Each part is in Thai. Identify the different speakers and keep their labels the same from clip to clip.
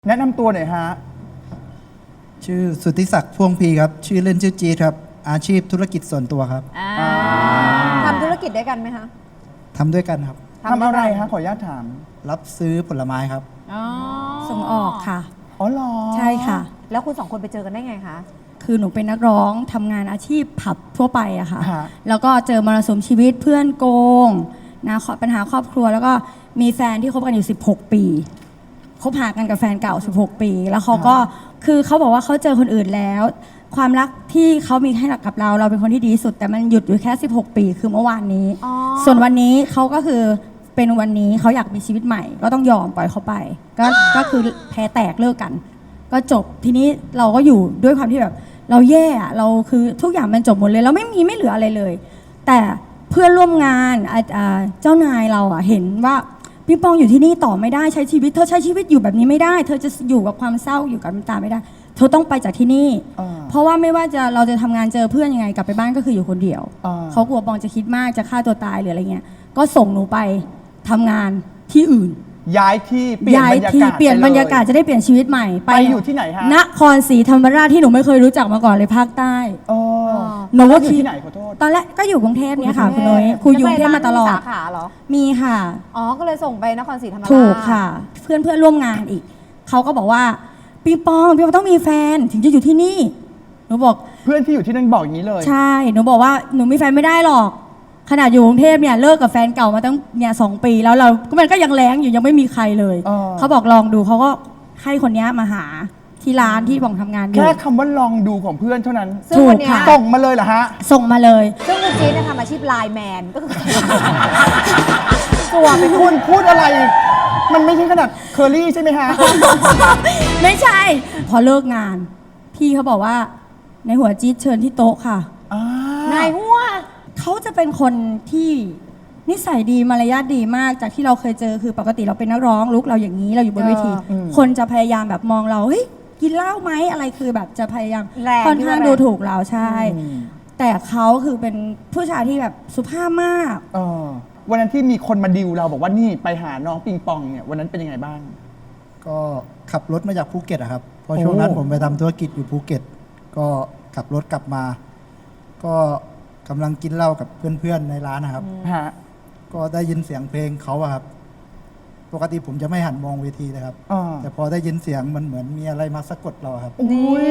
Speaker 1: แนะนำตัวหน่อยฮะ
Speaker 2: ชื่อสุทธิศักดิ์พ่วงพีครับชื่อเล่นชื่อจี๊ดครับอาชีพธุรกิจส่วนตัวครับ
Speaker 3: ทำธุรกิจด้วยกันไหมคะ
Speaker 2: ทำด้วยกันครับ
Speaker 1: ทำอะไรฮะขออนุญาตถาม
Speaker 2: รับซื้อผลไม้ครับ
Speaker 4: ส่งออกค่ะ
Speaker 1: อ๋อเหรอ
Speaker 4: ใช่ค่ะ
Speaker 3: แล้วคุณสองคนไปเจอกันได้ไงคะ
Speaker 4: คือหนูเป็นนักร้องทำงานอาชีพผับทั่วไปอะค่ะ
Speaker 1: ฮะ
Speaker 4: แล้วก็เจอมรสุมชีวิตเพื่อนโกงนะปัญหาครอบครัวแล้วก็มีแฟนที่คบกันอยู่16 ปีคบหากันกับแฟนเก่า16 ปีแล้วเขาก็คือเขาบอกว่าเขาเจอคนอื่นแล้ว ความรักที่เขามีให้กับเราเป็นคนที่ดีที่สุดแต่มันหยุดอยู่แค่16 ปีคือเมื่อวานนี้ส่วนวันนี้เขาก็คือเป็นวันนี้เขาอยากมีชีวิตใหม่ก็ต้องยอมปล่อยเขาไปก็คือแพ้แตกเลิกกันก็จบทีนี้เราก็อยู่ด้วยความที่แบบเราแย่เราคือทุกอย่างมันจบหมดเลยเราไม่เหลืออะไรเลยแต่เพื่อนร่วมงานเจ้านายเราเห็นว่าปิงปองอยู่ที่นี่ต่อไม่ได้ใช้ชีวิตเธอใช้ชีวิตอยู่แบบนี้ไม่ได้เธอจะอยู่กับความเศร้าอยู่กับน้ำตาไม่ได้เธอต้องไปจากที่นี่เพราะว่าไม่ว่าเราจะทำงานเจอเพื่อนยังไงกลับไปบ้านก็คืออยู่คนเดียวเขากลัวปองจะคิดมากจะฆ่าตัวตายหรืออะไรเงี้ยก็ส่งหนูไปทำงานที่อื่น
Speaker 1: ย้ายที่เปลี่ยนบรรยากาศ
Speaker 4: เปลี่ยนบรรยากาศจะได้เปลี่ยนชีวิตใหม่
Speaker 1: ไปอยู่ที่ไหนฮะ
Speaker 4: นครศรีธรรมราชที่หนูไม่เคยรู้จักมาก่อนเลยภาคใต้
Speaker 1: หนูว่าอยู่ที่ไหนขอโทษ
Speaker 4: ตอนแรกก็อยู่กรุงเทพเนี่ยค่ะคุณนุ้ยครูอยู่กรุงเทพมาตลอด
Speaker 3: สาขาเหรอ
Speaker 4: มีค่ะ
Speaker 3: ก็เลยส่งไปนครศรีธรรมราช
Speaker 4: ถูกค่ะเพื่อนร่วมงานอีกเขาก็บอกว่าปิงปองต้องมีแฟนถึงจะอยู่ที่นี่หนูบอก
Speaker 1: เพื่อนที่อยู่ที่นั่นบอกอย่างนี้เลย
Speaker 4: ใช่หนูบอกว่าหนูมีแฟนไม่ได้หรอกขนาดอยู่กรุงเทพเนี่ยเลิกกับแฟนเก่ามาตั้งเนี่ย2 ปีแล้วมันก็ยังแรงอยู่ยังไม่มีใครเลยเขาบอกลองดูเขาก็ให้คนนี้มาหาที่ร้านที่บองทำงานอยู่
Speaker 1: แค่คำว่าลองดูของเพื่อนเท่านั้น
Speaker 4: ถูกค่ะ
Speaker 1: ส่งมาเลยเหรอฮะ
Speaker 4: ส่งมาเลย
Speaker 3: ซึ่งคุณจี๊ดทำอาชีพไลน์แมนก็คือ
Speaker 1: ตัวเป็นคุณพูดอะไรมันไม่ใช่ขนาดเคอรี่ใช่ไหมฮะ
Speaker 4: ไม่ใช่พอเลิกงานพี่เขาบอกว่าในหัวจี๊ดเชิญที่โต๊ะค่ะ
Speaker 3: นายหัว
Speaker 4: เขาจะเป็นคนที่นิสัยดีมารยาทดีมากจากที่เราเคยเจอคือปกติเราเป็นนักร้องลุกเราอย่างนี้เราอยู่บนเวทีคนจะพยายามแบบมองเราเฮ้ยกินเหล้าไหมอะไรคือแบบจะพยายามค่อนข้างดูถูกเราใช่แต่เขาคือเป็นผู้ชายที่แบบสุภาพมาก
Speaker 1: วันนั้นที่มีคนมาดิวเราบอกว่านี่ไปหาน้องปิงปองเนี่ยวันนั้นเป็นยังไงบ้าง
Speaker 2: ก็ขับรถมาจากภูเก็ตครับเพราะช่วงนั้นผมไปทำธุรกิจอยู่ภูเก็ตก็ขับรถกลับมาก็กำลังกินเหล้ากับเพื่อนๆในร้านนะครับก็ได้ยินเสียงเพลงเขาครับปกติผมจะไม่หันมองเวทีเลยครับแต่พอได้ยินเสียงมันเหมือนมีอะไรมาสะกดเราครับ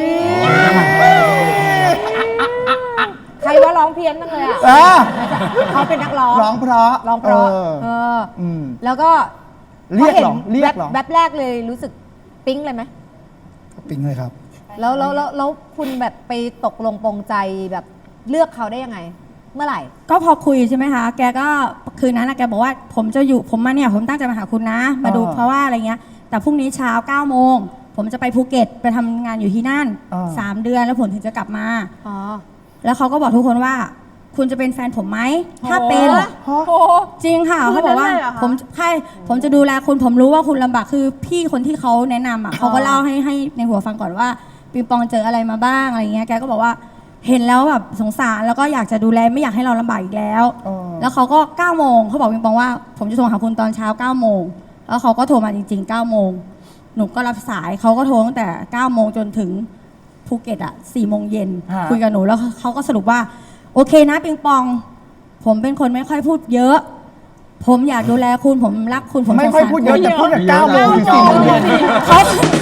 Speaker 3: ใครว่าร้องเพี้ยนตั้งเลยเขาเป็นนักร้อง
Speaker 1: ร้องเพราะ
Speaker 3: แล้วก็
Speaker 1: เรียกหรอ
Speaker 3: แบบแรกเลยรู้สึกปิ๊งเลยไหม
Speaker 2: ปิ๊งเลยครับ
Speaker 4: แล้ว
Speaker 3: คุณแบบไปตกลงปรงใจแบบเลือกเขาได้ยังไงเมื่อไหร่
Speaker 4: ก็พอคุยใช่ไหมคะแกก็คืนนั้นแกบอกว่าผมจะอยู่ผมมาเนี่ยผมตั้งใจมาหาคุณนะมาดูเพราะว่าอะไรเงี้ยแต่พรุ่งนี้เช้า9 โมงผมจะไปภูเก็ตไปทำงานอยู่ที่นั่น3 เดือนแล้วผมถึงจะกลับมาแล้วเขาก็บอกทุกคนว่าคุณจะเป็นแฟนผมไหมถ้าเป็นจริงค่ะเขาบอกว่าผมจะดูแลคุณผมรู้ว่าคุณลำบากคือพี่คนที่เขาแนะนำเขาก็เล่าให้ในหัวฟังก่อนว่าปิงปองเจออะไรมาบ้างอะไรเงี้ยแกก็บอกว่าเห็นแล้วแบบสงสารแล้วก็อยากจะดูแลไม่อยากให้เราลำบากอีกแล้วแล้วเขาก็9 โมงเขาบอกปิงปองว่าผมจะโทรหาคุณตอนเช้า9 โมงแล้วเขาก็โทรมาจริงๆ9 โมงหนูก็รับสายเขาก็โทรตั้งแต่9 โมงจนถึงภูเก็ต4 โมงเย็นคุยกับหนูแล้วเขาก็สรุปว่าโอเคนะปิงปองผมเป็นคนไม่ค่อยพูดเยอะผมอยากดูแลคุณผมรักคุณผม
Speaker 1: ไม่ค่อยพูดเยอะแต่พูดแต่9 โมงถึง4 โมงเย็น
Speaker 4: เขา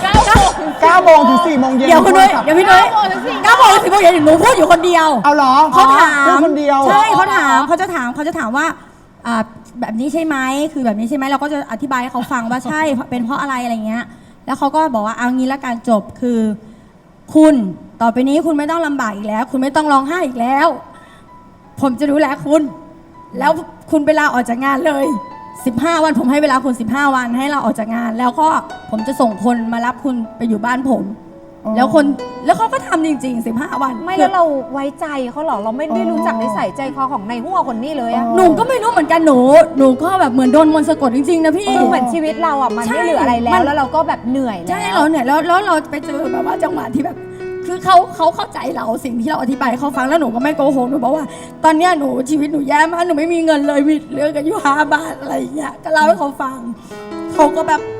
Speaker 1: 9 โมงถึง4 โมงเย็น
Speaker 4: เดี๋ยวคุณด้วยเดี๋ยวพี่ด้วย9 โมงถึง4 โมงเย็นหนูพูดอยู่คนเดียว
Speaker 1: เอาเหรอ
Speaker 4: เขาถาม
Speaker 1: คนเดียว
Speaker 4: ใช่เขาจะถามว่าแบบนี้ใช่ไหมคือแบบนี้ใช่ไหมเราก็จะอธิบายให้เขาฟังว่าใช่เป็นเพราะอะไรอะไรเงี้ยแล้วเขาก็บอกว่าเอางี้ละกันจบคือคุณต่อไปนี้คุณไม่ต้องลำบากอีกแล้วคุณไม่ต้องร้องไห้อีกแล้วผมจะดูแลคุณแล้วคุณไปลาออกจากงานเลย15 วันผมให้เวลาคุณ15 วันให้เราออกจากงานแล้วก็ผมจะส่งคนมารับคุณไปอยู่บ้านผมแล้วเขาก็ทำจริงๆ15 วัน
Speaker 3: ไม่แล้วเราไว้ใจเขาหรอเราไม่ได้รู้จักนิสัยใจคอของนายหัวคนนี้เลย
Speaker 4: หนูก็ไม่รู้เหมือนกันหนูก็แบบเหมือนโดนมนต์สะกดจริงๆนะพี่
Speaker 3: เหมือนชีวิตเรามันไม่เหลืออะไรแล้วเราก็แบบเหนื่อยแล้ว
Speaker 4: ใช่เราเหนื่อยแล้วเราไปเจอแบบว่าจังหวะที่แบบคือเขาเข้าใจเราสิ่งที่เราอธิบายเขาฟังแล้วหนูก็ไม่โกหกหนูบอกว่าตอนนี้ชีวิตหนูแย่มากหนูไม่มีเงินเลยมีเรื่องกันอยู่5 บาทอะไรอย่างเงี้ยก็เล่าให้เขาฟังเขาก็แบบ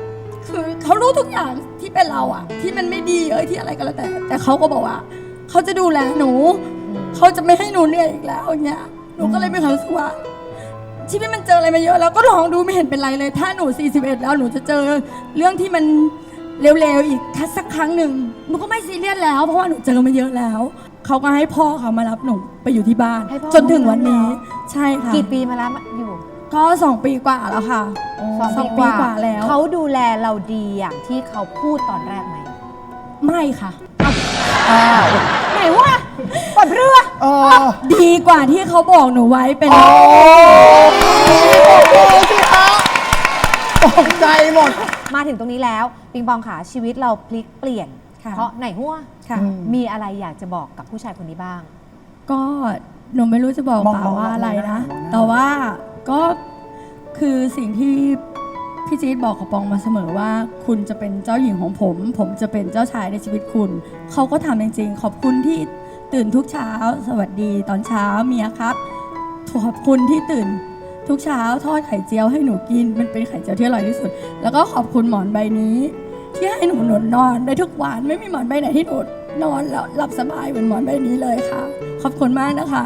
Speaker 4: คือเขารู้ทุกอย่างที่เป็นเราอะที่มันไม่ดีที่อะไรก็แล้วแต่เขาก็บอกว่าเขาจะดูแลหนูเขาจะไม่ให้หนูเหนื่อยอีกแล้วอย่างเงี้ยหนูก็เลยมีความรู้สึกว่าชีวิตมันเจออะไรมาเยอะแล้วก็ลองดูไม่เห็นเป็นไรเลย ถ้าหนู41แล้วหนูจะเจอเรื่องที่มันเร็วๆอีกสักครั้งหนึ่งหนูก็ไม่ซีเรียสแล้วเพราะว่าหนูเจอมาเยอะแล้วเขาก็ให้พ่อเขามารับหนูไปอยู่ที่บ้าน
Speaker 3: ให้พ่อ
Speaker 4: จนถึงวันนี้ใช่ค่ะ
Speaker 3: กี่ปีมาแล้วอยู่
Speaker 4: ก็2 ปีกว่าแล้วค่ะ
Speaker 3: 2
Speaker 4: ปีกว่าแล้ว
Speaker 3: เขาดูแลเราดีอย่างที่เขาพูดตอนแรกไหม
Speaker 4: ไม่ค่ะ
Speaker 3: ไหนวะปลดเรือ
Speaker 4: ดีกว่าที่เขาบอกหนูไว้เป็น
Speaker 1: โอ้โหสิคะตกใจหมด
Speaker 3: มาถึงตรงนี้แล้วปิงปองขาชีวิตเราพลิกเปลี่ยน
Speaker 4: ค่ะ
Speaker 3: เพราะไหนหัว
Speaker 4: ค่ะ
Speaker 3: มีอะไรอยากจะบอกกับผู้ชายคนนี้บ้าง
Speaker 4: ก็หนูไม่รู้จะบอก
Speaker 1: มอง
Speaker 4: ป่าว่าอะไรนะ
Speaker 1: มองหน้า
Speaker 4: แต่ว่าก็คือสิ่งที่พี่จี๊ดบอกกับปองมาเสมอว่า คุณจะเป็นเจ้าหญิงของผม ผมจะเป็นเจ้าชายในชีวิตคุณ เขาก็ทำจริงๆขอบคุณที่ตื่นทุกเช้า สวัสดีตอนเช้าเมียครับขอบคุณที่ตื่นทุกเช้าทอดไข่เจียวให้หนูกินมันเป็นไข่เจียวที่อร่อยที่สุด แล้วก็ขอบคุณหมอนใบนี้ ที่ให้หนูนอนได้ทุกวันไม่มีหมอนใบไหนที่หนูนอนแล้วหลับสบายเหมือนหมอนใบนี้เลยค่ะ ขอบคุณมากนะคะ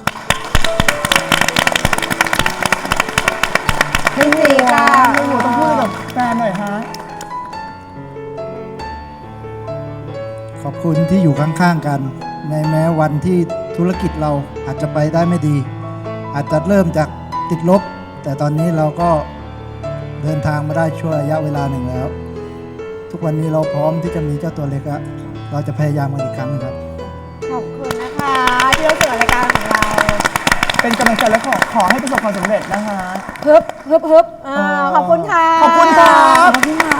Speaker 3: พี่จีค่ะ
Speaker 1: หนูต้องพูดกับแฟนหน่อยฮะ
Speaker 2: ขอบคุณที่อยู่ข้างๆกัน ในแม้วันที่ธุรกิจเราอาจจะไปได้ไม่ดี อาจจะเริ่มจากติดลบ แต่ตอนนี้เราก็เดินทางมาได้ช่วงระยะเวลาหนึ่งแล้ว ทุกวันนี้เราพร้อมที่จะมีเจ้าตัวเล็กแล้วเราจะพยายามกันอีกครั้งครับ
Speaker 3: ขอบคุณนะคะที่เราเจอรายการของเรา
Speaker 1: เป็นกำลังใจและขอให้ประสบความสำเร็จนะคะ
Speaker 3: ฮึบขอบคุณค่ะ
Speaker 1: ขอบคุณครับ
Speaker 4: ขอบคุณค่ะ